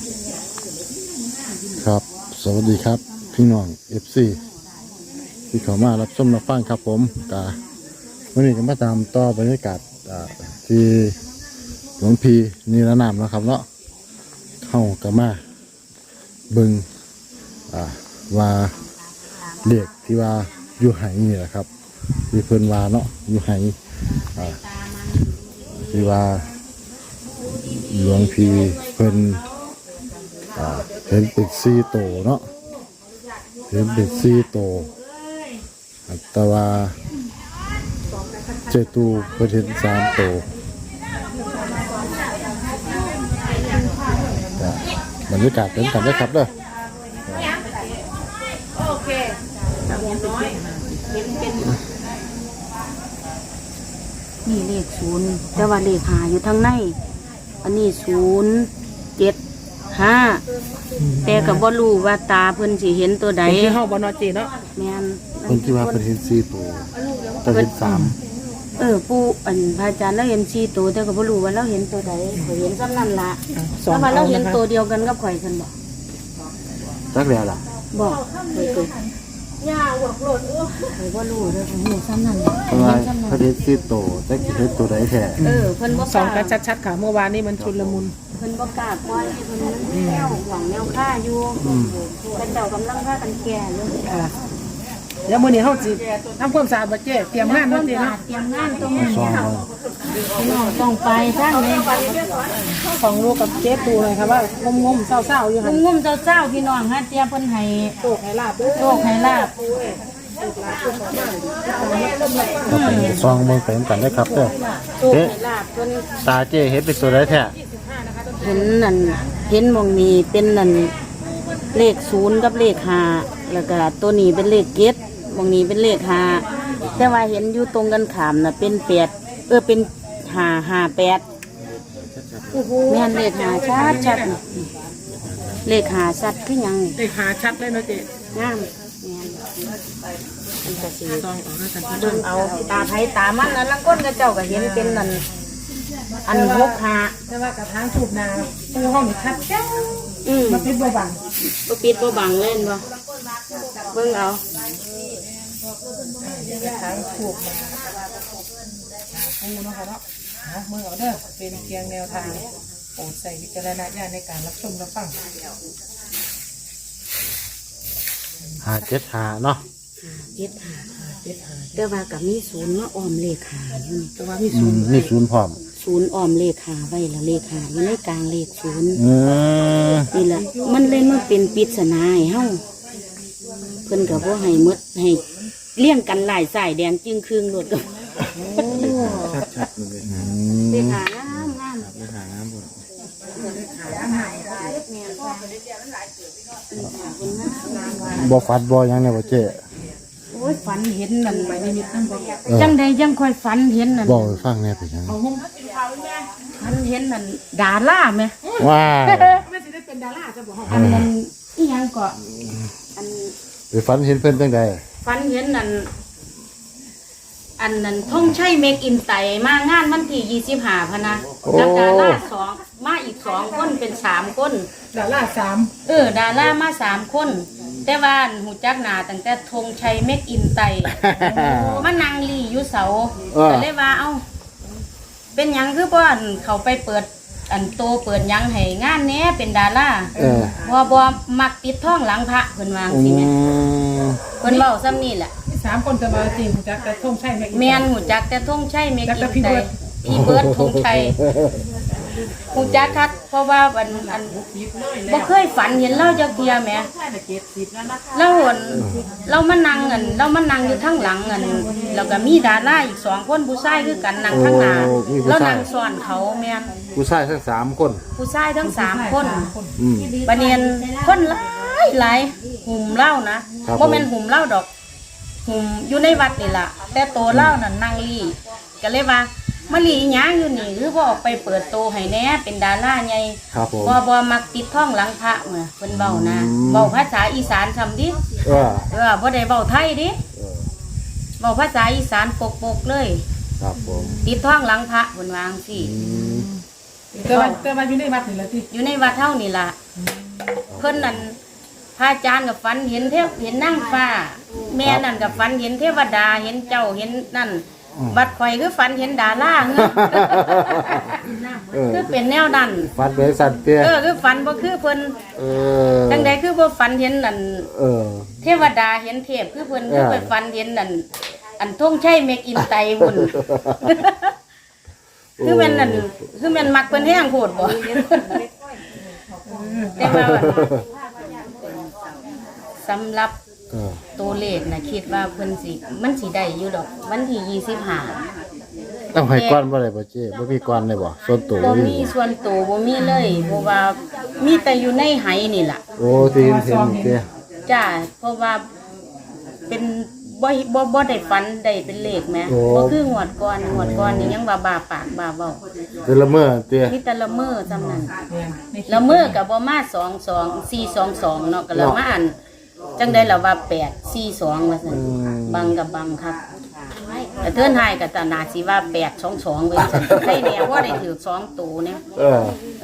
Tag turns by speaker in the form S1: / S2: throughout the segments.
S1: ครับสวัสดีครับพี่น้อง FC ที่เข้ามารับชมรับฟังครับผมวันนี้ก็มาตามต่อบรรยากาศที่หลวงพี่นิรนามนะครับเนาะเข้ากับมาเบิงว่าเด็กที่ว่าอยู่ไหนี่แหละครับที่เพิ่นว่าเนาะอยู่ไหที่ว่าหลวงพี่เพิ่นเห็นเป็น4 โตเนาะเห็นเป็น4 โตแต่ว่าเจตูเพิ่นเห็น3 โตบรรยากาศเป็นกันได้ครับเด้อ
S2: โอเคน้อยนี่เลข0แต่ว่าเลข5อยู่ทางในอันนี้075แต่ก็บ่รู้ว่าตาเพิ่นสิเห็นตัวใด
S3: ที่เฮาบ่เนาะเจเนาะ
S2: แม่น
S1: เพิ่นที่ว่าเพิ่นเห็น4 โตแต่เห็น3
S2: ปู่พระอาจารย์เราเห็น4ตัวแต่ก็บ่รู้ว่าเราเห็นตัวใดข่อยเห็นซ้ำนั่นล่ะแต่ว่าเราเห็นตัวเดียวกันกับข่อยซั่นบ่
S1: จักแล้วล่ะ
S2: บอกข่อยก็ย่าหวกโลดข่อยบ่รู้เด้อข่อยเห็นซ้ำนั่นล่ะ
S1: เพิ่นเห็น4 โตแต่เห็นตัวใดแท้
S2: เพิ่นบ่
S3: สองกันชัดๆค่ะเมื่อวานนี้มันชุลมุน
S2: เพิ่นบ่กล้าปล่อยเพิ่นแนวหวังแนวค่าอยู่เป็นเจ้ากำลังค่ากันแก่อยู่
S3: เดี๋ยวมื้อนี้เฮาสิทำความสะอาดบ่เจ๊เตรียมงานเนาะเจ๊เนาะ
S2: เตรียมงานตรงนี้ต้องไปทางนี้
S3: ของลูกกับเจ๊ตูเลยค่ะว่างมๆเศร้าๆอยู่หั่น
S2: งมๆเจ้าๆพี่น้องฮะเตรียมเพิ่นให้
S3: โชคให้ลาบเด้อ
S2: โชคให้ลาบ
S1: ซองเบิ่งไปกันได้ครับเด้อเอ๊ะตาเจ้เห็นเป็นตัวใดแท้
S2: เห็นนั่นเห็นหม่องนี้เป็นนั่นเลข0กับเลข5แล้วก็ตัวนี้เป็นเลข7หม่องนี้เป็นเลข5แต่ว่าเห็นอยู่ตรงกันข้ามน่ะเป็น8เป็น558แม่นเลข5ชัดเลข5ชัดคือหยัง
S3: เลข5ชัดเลยเนาะเจ๊
S2: งามแม่นอันก็สิ
S3: ซองออกแล้วกัน
S2: เบิ่งเอาตาไผตามันแล้วลังก้นก็เจ้าก็เห็นเป็นนั่นอัน65
S3: แต่ว่ากระถางทูบนาตู้ห้องนี่ชัดแจ้วมันปิดบ่บัง
S2: บ่ปิดบ่บังเล่นบ่เบิ่งเอา
S3: กระถางทูบนาปูเนาะค่ะเนาะมือเอาเด้อเป็นเพียงแนวทางโปรดใส่วิจารณญาณในการรับชมรับฟัง
S1: 575เนาะ
S2: แต่ว่ากับมี0มาอ้อมเลข5อยู่นี่
S3: แต่ว่ามี0
S1: นี่0พร้อม
S2: 0อ้อมเลข5ไว้แล้วเลข5อยู่ในกลางเลข0นี่แหละมันเลยมันเป็นปริศนาให้เฮาเพิ่นก็บ่ให้หมดให้เลี้ยงกันหลายสายแดงจึงครึ่งโลดก็
S1: ชัดๆเลย
S2: เลข5งาม
S1: เลข5งามพุ่นบ่ฟัดบ่หยังแน่บ่เจ้
S2: โอ้ยฝันเห็นนั่นไปนิมิตนั่นจังใดยังค่อยฝันเห็นนั่น
S1: บอกฟังแน่เป็นยัง
S2: ฝันเห็นนั่นดาราไหม
S1: ว้า
S3: ไม่สิได้เป็นดาราจะบอก
S2: อันนั้นอีหยังก็อัน
S1: ไปฝันเห็นเพิ่นจังใด
S2: ฝันเห็นนั่นอันนั้นท่องใช้เมคอินไตมางานวันที่25พะนะแล้วดารา2มาอีก2คนเป็น3คน
S3: ดารา3
S2: ดารามา3คนแต่ว่าหูจักหน้าตั้งแต่ธงชัยเมคอินไตมานั่งลีอยู่เสาก็เลยว่าเอ้าเป็นหยังคือบ่อันเขาไปเปิดอันโตเปิดหยังให้งานแหน่เป็นดาราบ่มักติดท้องหลังพระเพิ่นว่าจังซี่แม่เพิ่นเว้าซ้ำนี่แหละ
S3: 3คนจะมาจริงหูจักแต่ธงชัย
S2: แม่นหูจักแต่ธงชัยเมคอินไตพี่เบิร์ดธงชัยหูจักคักเพราะว่าอันบ่เคยฝันเห็นเล่าจักเทียแหมเรามานั่งอยู่ข้างหลังแล้วก็มีดาราอีก2คนผู้ชายคือกันนั่งข้างหน้าแล้วนั่งซ้อนเขาแม่น
S1: ผู้ชายทั้ง3คน
S2: ผู้ชายทั้ง3คนบัดนี้คนหลายหุ่มเล่านะบ่แม่นหุ่มเล่าดอกหุ่มอยู่ในวัดนี่ล่ะแต่โตเล่านั่นนั่งลี่ก็เลยว่ามาลีหยังอยู่นี่คือบ่ออกไปเปิดโตให้แน่เป็นดาราใหญ่บ่มักติดท้องหลังพระเมื่อเพิ่นเว้านะเว้าภาษาอีสานซำดิบ่ได้เว้าไทยดิเว้าภาษาอีสานปกๆเลย
S1: ครับผม
S2: ติดท้องหลังพระเพิ่นว่าจังซี่
S3: เกิดมาอยู่ในวัดนี่แหละที่
S2: อยู่ในวัดเท่านี่ล่ะเพิ่นนั่นพระอาจารย์กับฝันเห็นเห็นนางฟ้า แม่นั่นกับฝันเห็นเทวดาเห็นเจ้าเห็นนั่นบัดข่อยคือฝันเห็นดาราเงื้อคือเป็นแนวนั้น
S1: ฟันเป็นสัตว์เตี้ย
S2: คือฝันบ่คือเพิ่น จังใดคือบ่ฝันเห็นนั่นเทวดาเห็นเทพคือเพิ่นคือไปฝันเห็นนั่นอันท่งชัยเมกอินไตบุญคือแม่นนั่นคือแม่นมักเพิ่นแห้งโพดบ่แต่ว่าสำหรับตัวเลขนะคิดว่าเพิ่นสิมันสิได้อยู่ดอกวันที่25
S1: ต้องให้ก้อนบ่ได้บ่เจ้บ่มีก้อนเลยบ่ส่วนตัว
S2: บ่มีส่วนตัวบ่มีเลยเพราะว่ามีแต่อยู่ในไหนี่ล่ะ
S1: โอ้ที่เห็นเตี้ย
S2: จ้าเพราะว่าเป็นบ่ได้ฝันได้เป็นเลขแหมบ่คืองวดก่อนนี่ยังว่าบาปากบาเว้า
S1: คือละเมอเตี้ย
S2: มีแต่ละเมอจำนั้น
S3: ในคลิป
S2: ละเมอก็บ่มา422เนาะก็ละมาอันจังได๋ล่ะว่า842ว่าซั่นบังกับบังครับแต่เทื่อนไห้ก็ตานาสิว่า822เว้ยซั่นใครแน่ว่าได้ถือ2ตัวเนี่ยเออ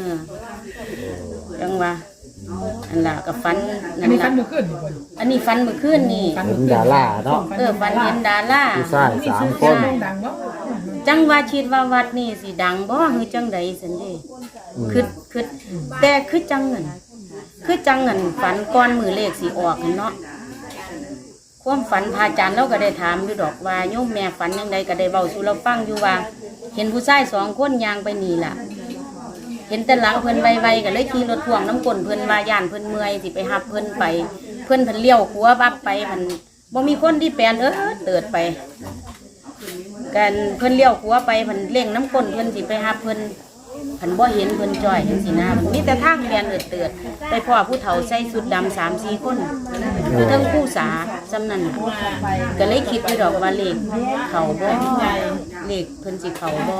S2: จังว่าอันล่ะก็ฝัน
S3: อั
S2: นั่
S3: น
S2: น
S3: นี้
S2: ล่ะ
S3: ฟันมือขึ้นอยู่บน
S2: อันนี้ฝันเมื่อคืนนี่
S1: เห็นดาราเนาะ
S2: ฝันเห็นดารา
S1: ผู้ชาย
S3: นี่
S1: สาม
S3: ชื่อ
S1: ค
S3: เสีย
S1: น
S3: งดังบ่
S2: จังว่าคิดว่าวัดนี่สิดังบ่คือจังใดซั่นเด้คือแต่คือจังเงินฝันก่อนมือเลขสิออกนั่นเนาะความฝันพระอาจารย์เราก็ได้ถามอยู่ดอกว่าโยมแม่ฝันจังใดก็ได้เว้าสู่เราฟังอยู่ว่า เห็นผู้ชาย2คนย่างไปนี่ล่ะ เห็นแต่หลังเพิ่นไวๆก็เลยขี่รถพ่วงน้ำก้นเพิ่นว่าย่านเพิ่นเมื่อยสิไปหับเพิ่นไป เพิ่นเลี้ยวขัวบับไปมันบ่มีคนที่แปลนเติดไปกันเพิ่นเลี้ยวขัวไปเพิ่นเร่งน้ำก้นเพิ่นสิไปหับเพิ่นบ่เห็นเพิ่นจ้อยจังซี่นะมีแต่ทางแปลนเติดไปพ่อผู้เฒ่าใส่ชุดดำ3-4 คนอยู่เทั้งผู้สาจำนั้นก็เลยคิดอยู่ดอกว่าเลขเขาบ่เลขเพิ่นสิเขาบ่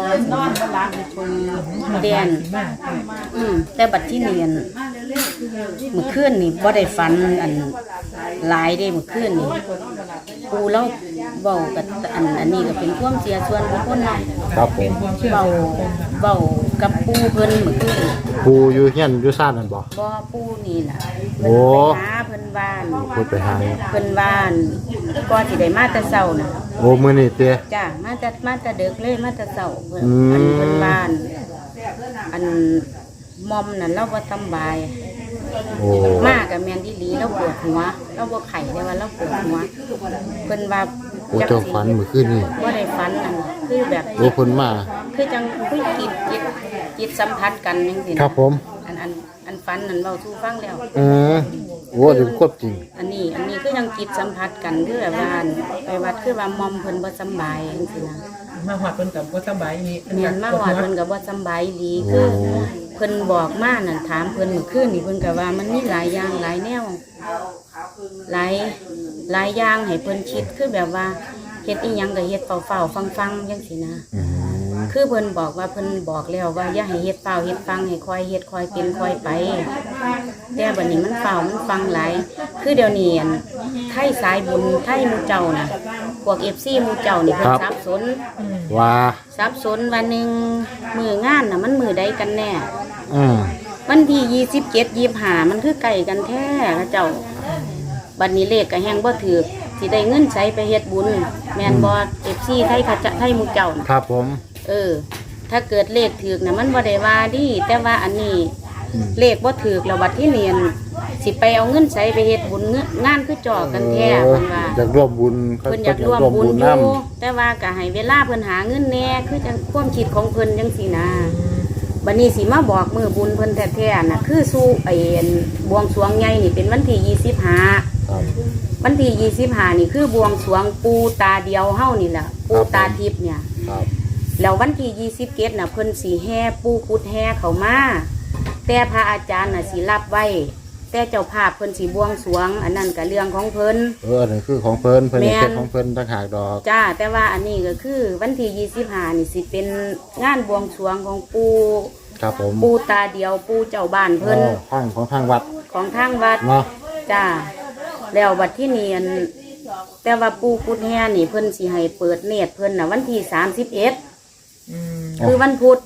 S2: แดน แต่บัดที่เนียนเมื่อคืนนี่บ่ได้ฝันอันหลายได้เมื่อคืนนี่ปูเล่าเบากับอันนี้ก็เป็นความเสียส่วนบุคคลเนาะ
S1: ครับผม
S2: เบากับปูเพิ่นเมื่อคืน
S1: ปูอยู่เฮียนอยู่ซ่านนั่นบ่
S2: บ่ปูนี่ล่ะ
S1: โอ้
S2: เพิ่นไปหาเพิ่นบ้าน
S1: พูดไปหา
S2: เพิ่นบ้านก่อนสิได้มาแต่เช้าน่ะ
S1: โอ้มื้อนี้เตี้ย
S2: จ้ามาแต่ดึกเลยมาแต่เช้าเพิ่น
S1: อืม
S2: เพิ่นบ้าน อันมอมนั่นเราบ่สำบาย
S1: โอ้
S2: มากกับแมนดีหลีเราปวดหัวเราบ่ไข่ได้ว่าเราปวดหัวเพิ่นว่า
S1: โอ้เจ้าฝันเมื่อคืนนี่
S2: บ่ได้ฝันอันคือแบบ
S1: โอ้เพิ่นมา
S2: คือจังคุยจิตสัมผัสกันจังซี่นะครับ
S1: ผม
S2: อันฝันนั่นเว้าสู่ฟังแล้ว
S1: โอ้เดี๋ยวควบจริง
S2: อันนี้คือยังจิตสัมผัสกันคือแบบว่าอันไปวัดคือว่ามอมเพิ่นบ่สำบายจังซี่นะ
S3: มาหอดเพิ่นกับบ่สบายนี่
S2: เมียนมาหอดเพิ่นก็บ่สำบายดีคือเพิ่นบอกมานั่นถามเพิ่นเมื่อคืนนี่เพิ่นก็ว่ามันมีหลายอย่างหลายแนวหลายอย่างให้เพิ่นคิดคือแบบว่าเฮ็ดอีหยังก็เฮ็ดเฝ้าๆฟังๆจังซี่นะคือเพิ่นบอกว่าเพิ่นบอกแล้วว่าอย่าให้เฮ็ดเฝ้าเฮ็ดฟังให้ค่อยเฮ็ดค่อยเป็นค่อยไปแต่บัดนี้มันเฝ้ามันฟังหลายคือเดี๋ยวนี้อันไทยสายบุญไทยหมู่เจ้าน่ะพวก FC หมู่เจ้านี่เพิ่นสับสน
S1: ว่า
S2: สับสนวันหนึ่งมืองานน่ะมันมือใดกันแน่
S1: อืม
S2: วันที่27-25มันคือไก่กันแท้เขาเจ้าบัดนี้เลขก็แฮงบ่ถือสิได้เงินใช้ไปเฮ็ดบุญแม่นบ่ FC ไทยเขาจะไทยหมู่เจ้าน่ะ
S1: ครับผม
S2: ถ้าเกิดเลขถือน่ะมันบ่ได้ว่าดีแต่ว่าอันนี้เลขบ่ถือแล้วบัดที่เรียนสิไปเอาเงินใช้ไปเฮ็ดบุญงานคือจ่อกันแท้เพิ่นว่า
S1: อยากร่วมบุญ
S2: เพิ่นอยากร่วมบุญอยู่แต่ว่าก็ให้เวลาเพิ่นหาเงินแหน่คือจังความคิดของเพิ่นจังซี่นะบัดนี้สิมาบอกมือบุญเพิ่นแท้ๆน่ะคือสู้ไอ้บวงสรวงใหญ่นี่เป็นวันที่25
S1: ครับ
S2: วันที่25นี่คือบวงสรวงปูตาเดียวเฮานี่แหละปูตาทิพย์เนี่ย
S1: ครับ
S2: แล้ววันที่27น่ะเพิ่นสิแห่ปูกุดแห่เข้ามาแต่พระอาจารย์น่ะสิรับไว้แต่เจ้าภาพเพิ่นสิบวงสรวงอันนั้นก็เรื่องของเพิ่น
S1: อันนี้คือของเพิ่นเพิ่น
S2: แม่น
S1: เฮ็ดของเพิ่นต่างหากดอก
S2: จ้าแต่ว่าอันนี้ก็คือวันที่25นี่สิเป็นงานบวงสรวงของปู
S1: ครับผม
S2: ปูตาเดียวปูเจ้าบ้านเพิ่น
S1: ทางของทางวัด
S2: ของทางวัด
S1: เนาะ
S2: จ้าแล้วบัดที่เนียนแต่ว่าปูกุดแห่นี่เพิ่นสิให้เปิดเนตรเพิ่นน่ะวันที่31คือวันพุธ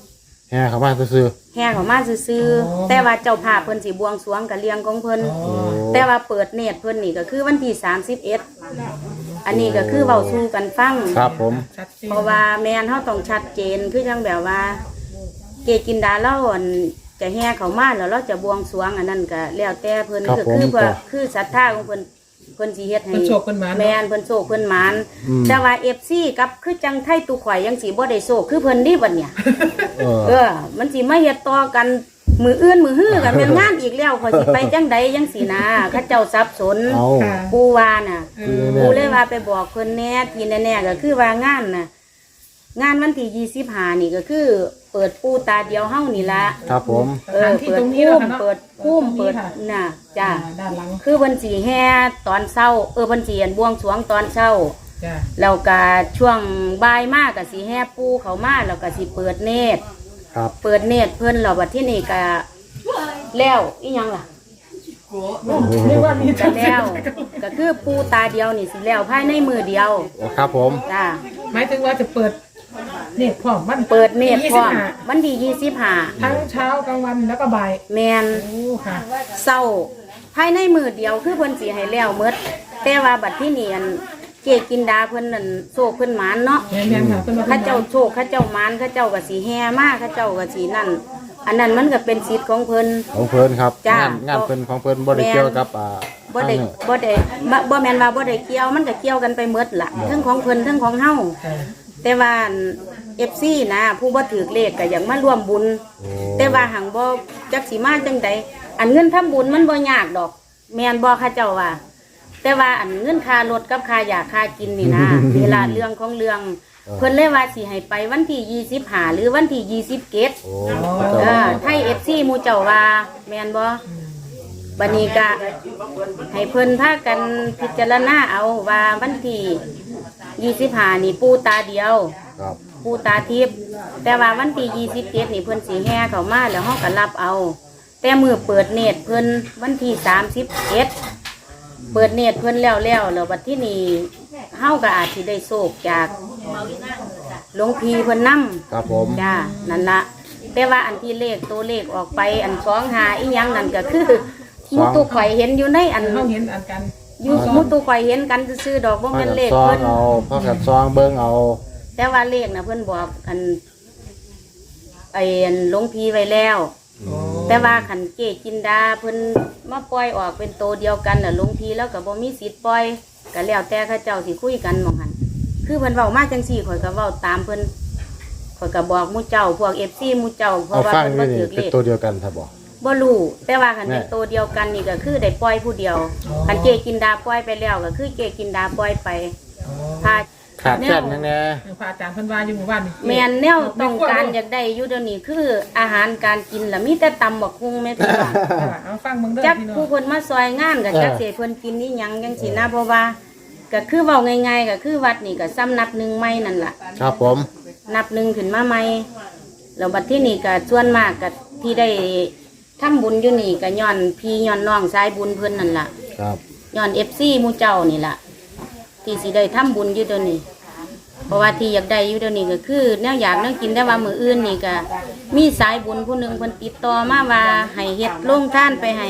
S1: แห่เขามาซื้อ
S2: แห่เขามาซื่อๆแต่ว่าเจ้าภาพเพิ่นสิบวงสรวงกับเลี้ยงของเพิ่นแต่ว่าเปิดเนตรเพิ่นนี่ก็คือวันที่31อันนี้ก็คือเว้าสู่กันฟัง
S1: ๆครับผม
S3: ชัดเจน
S2: เพราะว่าแม่นเฮาต้องชัดเจนคือจังแบบว่า เกกินดาเราอั่นจะแห่เขามาแล้วเราจะบวงสรวงอันนั้นก็แล้วแต่เพิ่นคือเพื่อคือศรัทธาของเพิ่นสิเฮ็ดให้
S3: เพิ่นโชคเพิ่นหมาน
S2: แม่นเพิ่นโชคเพิ่นหมานแต่ว่า FC กับคือจังไทยตุข่อยยังสิบ่ได้โชคคือเพิ่นนี่บัดเนี่ย มันสิมาเฮ็ดต่อกันมืออื่นมือฮื้อกันแม่นงานอีกแล้วข่อยสิไปจังใดจังสินะเขาเจ้าสับสน
S1: เอา
S3: ค่ะ
S2: ปูว่าน่ะ
S3: อืม
S2: ปูเลยว่าไปบอกเพิ่นแน่ที่แน่ๆก็คือว่างานน่ะงานวันที่25นี่ก็คือ เปิดปูตาเดียวเฮานี่ละ
S1: ครับผม
S3: สถานที่
S2: เปิ
S3: ต
S2: ด
S3: รงนี้
S2: พุ่
S3: แล้ว
S2: ม
S3: ค่ะเนาะ
S2: เปิดพุ่ม
S3: ตรงนี้
S2: เปิด
S3: ค่ะ
S2: น่ะจ้ะ
S3: ด้านหลัง
S2: คือเพิ่นสิแห่ตอนเช้าเพิ่นสิบวงสรวงตอนเช้า
S3: จ้ะ
S2: แล้วก็ช่วงบ่ายมากก็สิแห่ปูเขามาแล้วก็สิเปิดเนตร
S1: ครับ
S2: เปิดเนตรเพิ่นแล้วบัดที่นี่ก็แล้วอีหยังล่ะ
S3: เรียกว่ามี
S2: ก็แล้วก็คือปูตาเดียวนี่สิแล้วภายในมือเดียว
S1: โอ้ครับผม
S2: จ้า
S3: หมายถึงว่าจะเปิดเน็ตพร้อมมัน
S2: เปิดเนตรพร้อม
S3: 25
S2: วันที่25
S3: ทั้งเช้ากลางวันแล้วก็บ่าย
S2: แมน
S3: โอ้ค่ะ
S2: เศร้าภายในมือเดียวคือเพิ่นสิให้แล้วหมดแต่ว่าบัดที่นี่อันเกกินดาเพิ่นนั่นโชคเพิ่นหมานเนาะ
S3: แม่นๆค่ะเพิ่นว่า
S2: ข้าเจ้าโชคข้าเจ้าหมานข้าเจ้าก็สิแห่มาข้าเจ้าก็สินั่นอันนั้นมันก็เป็นสิทธิ์ของเพิ่น
S1: ของเพิ่นครับ
S2: จ้าง
S1: งานเพิ่นของเพิ่นบ่ได้เกี่ยวกับ
S2: บ่ได้บ่แม่นว่าบ่ได้เกี่ยวมันก็เกี่ยวกันไปหมดล่ะทั้งของเพิ่นทั้งของเฮา
S3: ค่ะ
S2: แต่ว่า FC นะผู้บ่ถือเลขก็อยากมาร่วมบุญ
S1: โอ้
S2: แต่ว่าหังบ่จักสิมาจังใดอันเงินทำบุญมันบ่ยากดอก แม่นบ่ข้าเจ้าว่า แต่ว่าอันเงินค่ารถกับค่ายาค่ากินนี่นะ เวลาเรื่องของเรื่องเพิ่นเลยว่าสิให้ไปวันที่25หรือวันที่27
S1: โอ้พระเจ้า
S2: ไทย FC หมู่เจ้าว่าแม่นบ่บัดนี้ก็ให้เพิ่นพากันพิจารณาเอาว่าวันที่25นี่ปูตาเดียว
S1: ครับ
S2: ปูตาทิพย์แต่ว่าวันที่27นี่เพิ่นสิแห่เข้ามาแล้วเฮาก็รับเอา แต่มือเปิดเนตรเพิ่นวันที่31เปิดเนตรเพิ่นแล้วบัดที่นี่เฮาก็อาจสิได้โชคจากหลวงพี่เพิ่นนำ
S1: ครับผม
S2: จ้านั่นละแต่ว่าอันที่เลขตัวเลขออกไปอัน25อีหยังนั่นก็คือหมูตุข่อยเห็นอยู่ในอัน
S3: เขาเห็นอันกัน
S2: อยู่หมูตุข่อยเห็นกันซื่อๆดอกบ่
S1: พา
S2: แม่น
S1: กัน
S2: เลข
S1: ซอง
S2: เพิ่น
S1: เอาพากันซองเบิ่งเอา
S2: แต่ว่าเลขน่ะเพิ่นบอกอันไอ้อันหลวงพี่ไว้แล้ว แต่ว่าขันเกจินดาเพิ่นมาปล่อยออกเป็นโตวเดียวกันน่ะหลวงพี่แล้วก็บ่มีสิทธิ์ปล่อยก็แล้วแต่เขาเจ้าสิคุยกันหม่องหั่นคือเพิ่นเว้ามาจังซี่ข่อยก็เว้าตามเพิ่นข่อยก็บอกหมู่เจ้าพวก FC หมู่เจ้าเพ
S1: เอา
S2: ราะว่า
S1: ฟัง
S2: เพิ่น
S1: นี่
S2: บ่
S1: นี่
S2: ถือ
S1: เป็
S2: เล
S1: น
S2: ข
S1: ตัวเดียวกันครับบ่
S2: บ่รู้แต่ว่าคัน
S1: แน่
S2: เป็นตัวเดียวกันนี่ก็คือได้ปล่อยผู้เดียวคันเกกินดาปล่อยไปแล้วก็คือเกกินดาปล่อยไปพา
S1: ขาดแค่นั้นแน่
S3: พระอาจารย์เพิ่นว่าอยู่หมู่บ้านนี่
S2: แม่นแนวต้องการอยากได้อยู่เดี๋ยวนี้คืออาหารการกินล่ะมีแต่ตำบักหุ่งแม่พี่น้อง
S3: ค่ะเอาฟังเบิ่งเด้อ
S2: จัก
S3: พี่น้อง
S2: ผู้คนมาซอยงานก็จักสิให้เพิ่นกินนี่หยังจังซี่นะเพราะว่าก็คือเว้าง่ายๆก็คือวัดนี่ก็ซ้ำนับหนึ่งใหม่นั่นล่ะ
S1: ครับผม
S2: นับหนึ่งขึ้นมาใหม่แล้วบัดที่นี่ก็ส่วนมากก็ที่ได้ทำบุญอยู่นี่ก็ย้อนพี่ย้อนน้องสายบุญเพิ่นนั่นล่ะ
S1: ครับ
S2: ย้อน FC หมู่เจ้านี่ล่ะที่สิได้ทำบุญอยู่เดี๋ยวนี้เพราะว่าที่อยากได้อยู่เดี๋ยวนี้ก็คือแนวอยากแนวกินได้ว่ามื้ออื่นนี่ก็มีสายบุญผู้หนึงเพิ่นติดต่อมาว่าให้เฮ็ดโรงทานไปให้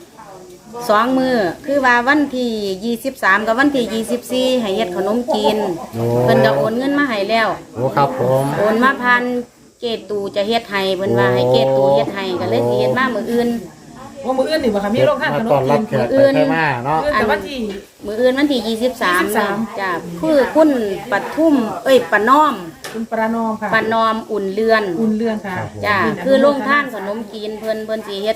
S2: 2 มื้อคือว่าวันที่23กับวันที่24ให้เฮ็ดขนมจีน
S1: โอ้
S2: เพิ่นก็โอนเงินมาให้แล้ว
S1: โอ้ครับผม
S2: โอนมาพันเกตูจะเฮ็ดให้เพิ่นว่าให้เกตูเฮ็ดให้ก็เลยสิเฮ็ดมามื้ออื่น
S3: ว่ามื้ออื่นนี่บ่ค่ะมีโรงทานขน
S1: ต้อ
S3: ม
S1: นรั
S3: จี
S1: บ
S3: น
S1: แขกไปให้มาเนาะ
S3: แต่ว่าที่
S2: มื้ออื่นวันที่23
S3: 23
S2: จ้ะคือคุณปทุมปะน้อม
S3: คุณประนอมค่ะ
S2: ปะนอมอุ่นเรือน
S3: อุ่นเรือนค่ะ
S2: จ้ะคือโรงทานขนมจีนเพิ่นสิเฮ็ด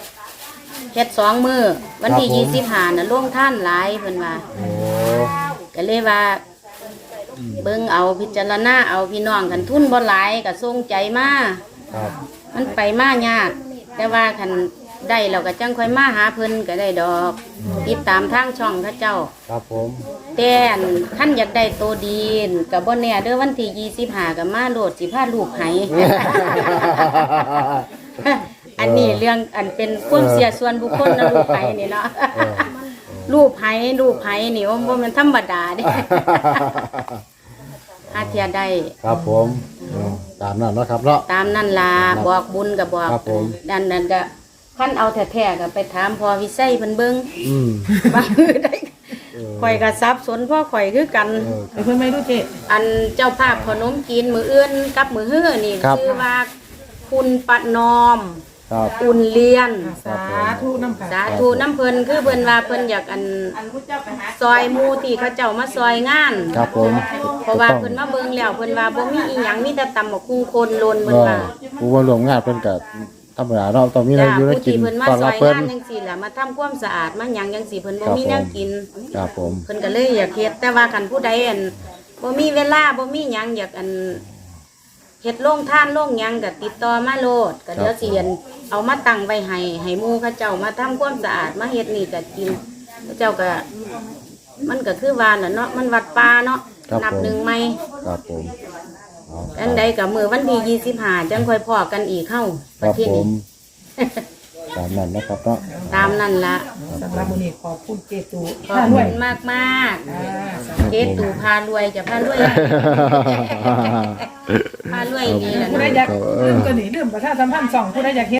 S2: 2 มื้อวันที่25น่ะโรงทานหลายเพิ่นว่า
S1: โอ้
S2: ก็เลยว่าเบิ่งเอาพิจารณาเอาพี่น้องคันทุนบ่หลายก็ส่งใจมา
S1: ครับ
S2: มันไปมายาก แต่ว่าคันได้เราก็จังค่อยมาหาเพิ่นก็ได้ดอกติดตามทางช่องเขาเจ้า
S1: ครับผม
S2: แต่อันท่านอยากได้ตัวดีนกับบ่แน่เด้อวันที่25ก็มาโหลดสิพาลูกให้ อันนี้เรื่องอันเป็นความเสียส่วนบุคคลนะลูกไผนี่เนาะลูกไผนี่ว่าบ่แมันธรรมดาเด้ หาเทียได้
S1: ครับผมตามนั้นเนาะครับเนาะ
S2: ตามนั่นล่ะบอกบุญก็บอก
S1: ครับผม
S2: ดันนั้นก็คันเอาแท้ๆก็ไปถามพ่อวิไสเพิ่นเบิ่ง
S1: อืม
S2: ว่าได้ข่อยก็สับสนพ่อข่อยคือกัน
S3: ไปเพิ่นไม่รู้เจ๊
S2: อันเจ้าภาพขนมจีนมื้ออื่นกับมื้อฮื้อนี่ชื่อว่าคุณปะนอม
S1: ครับ
S2: อุ่นเลียน
S3: สาธุน้ำค่ะ
S2: สาธุน้ำเพิ่นคือเพิ่นว่าเพิ่นอยากอันซอยหมู่ที่เขาเจ้ามาซอยงาน
S1: ครับผม
S2: เพราะว่าเพิ่นมาเบิ่งแล้วเพิ่นว่าบ่มีอีหยังมีแต่ตำบักหุ่งคนโลนเพิ่น
S1: ก็
S2: ว่า
S1: ผู้ว่ารวมงานเพิ่นก็ธรรมดาเนาะต้องมีอะไร
S2: จ้า
S1: อยู่ได้
S2: ผู้
S1: กิน
S2: ที่เพิ่นมา
S1: ตอน
S2: ซ
S1: รั
S2: อบ ย
S1: เพิ่น
S2: งานจังซี่ล่ะมาทำความสะอาดมาหยังจังซี่เพิ่นบ่
S1: ครับ
S2: มีแนวกิน
S1: ครับผม
S2: เพิ่นก็เลยอยากเฮ็ดแต่ว่าคันผู้ใดอันบ่มีเวลาบ่มีหยังอยากอันเฮ็ดโรงทานโรงหยังก็ติดต่อมาโลดก็เดี๋ยวสิอันเอามาตั้งไว้ให้หมู่เขาเจ้ามาทำความสะอาดมาเฮ็ดนี่ก็กินเขาเจ้าก็มันก็คือว่าน่ะเนาะมันวัดป่าเนาะนับหนึ่งใหม่
S1: ครับผมเอา
S2: อันใดก็มื้อวันที่25จังค่อยพ้อกันอีกเข้า
S1: ค
S2: ประ
S1: รับ
S2: เทศ
S1: ผ
S2: นี้
S1: มตามนั้นนะครับเนาะ
S2: ตามนั่นละ
S3: สำหรับมื้อนี้ขอบคุณเจ๊ตู
S2: ขอบคุณมากมาก
S3: อ่า
S2: ๆเจ๊ตู่พารวยจะพารวยพารวยนี่แหละ
S3: ผู้ใด
S2: นะ
S3: อยากเริ่มตัวนี้เริ่มประชาสัมพันธ์2ผู้ใดอยาก